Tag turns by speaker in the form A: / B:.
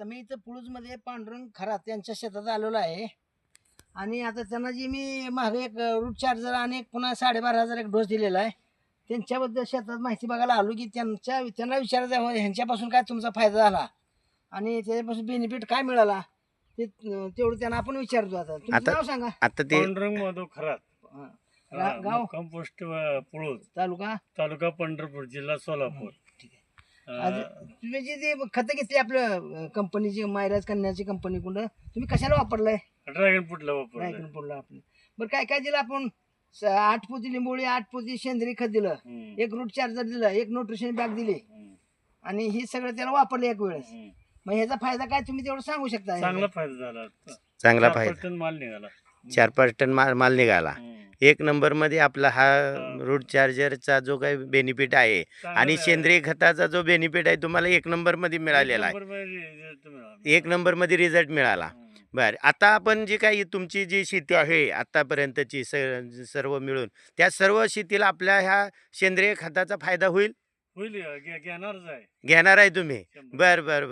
A: आता मी इथं पुळूजमध्ये पांडुरंग खरात यांच्या शेतात आलेलो आहे आणि आता त्यांना जी मी मागे एक रूट चार्जर आणि एक पुन्हा 12,500 एक डोस दिलेला आहे त्यांच्याबद्दल शेतात माहिती बघायला आलो की त्यांना विचारायचं आहे, ह्यांच्यापासून काय तुमचा फायदा झाला आणि त्याच्यापासून बेनिफिट काय मिळाला ते तेवढं त्यांना आपण विचारतो. आता तुमचं नाव सांगा.
B: आता ते
C: पांडुरंग माधव खरात,
A: गाव
C: कंपोस्ट पुळूज,
A: तालुका
C: तालुका पंढरपूर, जिल्हा सोलापूर.
A: आज तुम्ही जी ते खतं घेतली आपलं कंपनीची मायराज कन्याची कंपनी कुठं तुम्ही कशाला वापरलंय?
C: ड्रॅगन फ्रूटला वापरलं.
A: ड्रॅगन फ्रूटला आपलं. बरं काय काय दिलं आपण? 8 पोती लिंबोळी, 8 पोती सेंद्रिय खत दिलं, एक रूट चार्जर दिलं, एक न्यूट्रिशन बॅग दिली आणि हे सगळं त्याला वापरलं एक वेळेस. मग ह्याचा फायदा काय तुम्ही तेवढं सांगू शकता?
C: चांगला फायदा झाला.
B: चांगला
C: 4-5
B: फायदा,
C: टन माल निघाला.
B: 4-5 टन माल निघाला. एक नंबर मध्ये आपला हा रूट चार्जरचा जो काही बेनिफिट आहे आणि सेंद्रिय खताचा जो बेनिफिट आहे तुम्हाला एक नंबर मध्ये मिळालेला आहे. एक नंबर मध्ये रिझल्ट मिळाला. बर, आता आपण जी काही तुमची जी शेती आहे आतापर्यंतची सर्व मिळून त्या सर्व शेतीला आपल्या ह्या सेंद्रिय खताचा फायदा होईल?
C: होईल, घेणारच आहे.
B: घेणार आहे तुम्ही? बर बर.